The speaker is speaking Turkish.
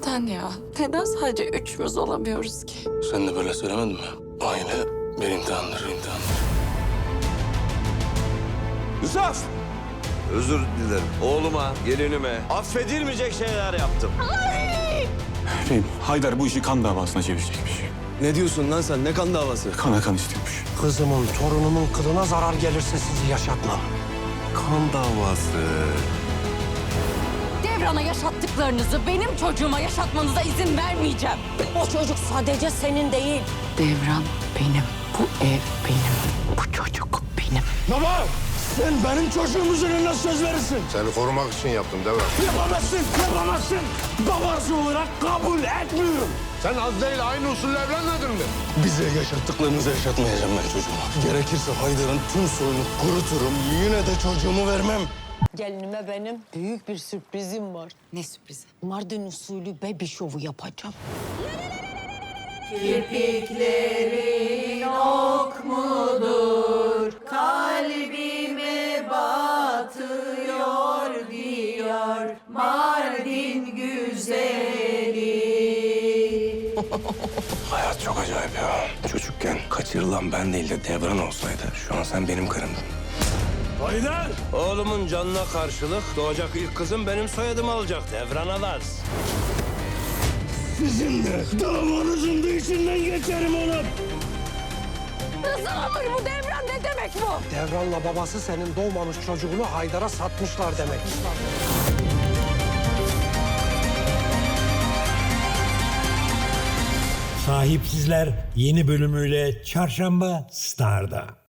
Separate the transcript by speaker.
Speaker 1: Neden ya? Neden sadece üçümüz olamıyoruz ki?
Speaker 2: Sen de böyle söylemedin mi? Aynı bir imtihandır.
Speaker 3: Yusuf! Özür dilerim. Oğluma, gelinime affedilmeyecek şeyler yaptım.
Speaker 4: Haydar bu işi kan davasına çevirecekmiş.
Speaker 3: Ne diyorsun lan sen? Ne kan davası?
Speaker 4: Kana kan istiyormuş.
Speaker 5: Kızımın, torunumun kılına zarar gelirse sizi yaşatmam.
Speaker 3: Kan davası.
Speaker 1: Devran'a yaşattıklarınızı benim çocuğuma yaşatmanıza izin vermeyeceğim.
Speaker 6: O çocuk sadece senin değil.
Speaker 1: Devran benim, bu ev benim, bu çocuk benim.
Speaker 5: Baba! Sen benim çocuğumuzun önüne söz verirsin.
Speaker 7: Seni korumak için yaptım Devran.
Speaker 5: Yapamazsın. Babası olarak kabul etmiyorum.
Speaker 7: Sen az değil aynı usulle evlenmedin mi?
Speaker 2: Bize yaşattıklarınızı yaşatmayacağım ben çocuğuma.
Speaker 7: Gerekirse Haydar'ın tüm soyunu kuruturum. Yine de çocuğumu vermem.
Speaker 6: Gelinime benim büyük bir sürprizim var.
Speaker 1: Ne sürprizi?
Speaker 6: Mardin usulü baby şovu yapacağım.
Speaker 2: Hayat çok acayip ya. Çocukken kaçırılan ben değil de Devran olsaydı şu an sen benim karımdın.
Speaker 3: Haydar! Oğlumun canına karşılık doğacak ilk kızım benim soyadımı alacak. Devran Alaz.
Speaker 5: Sizin de davanızın da içinden geçerim oğlum.
Speaker 1: Nasıl olur bu Devran, ne demek bu?
Speaker 5: Devran'la babası senin doğmamış çocuğunu Haydar'a satmışlar demek.
Speaker 8: Sahipsizler yeni bölümüyle Çarşamba Star'da.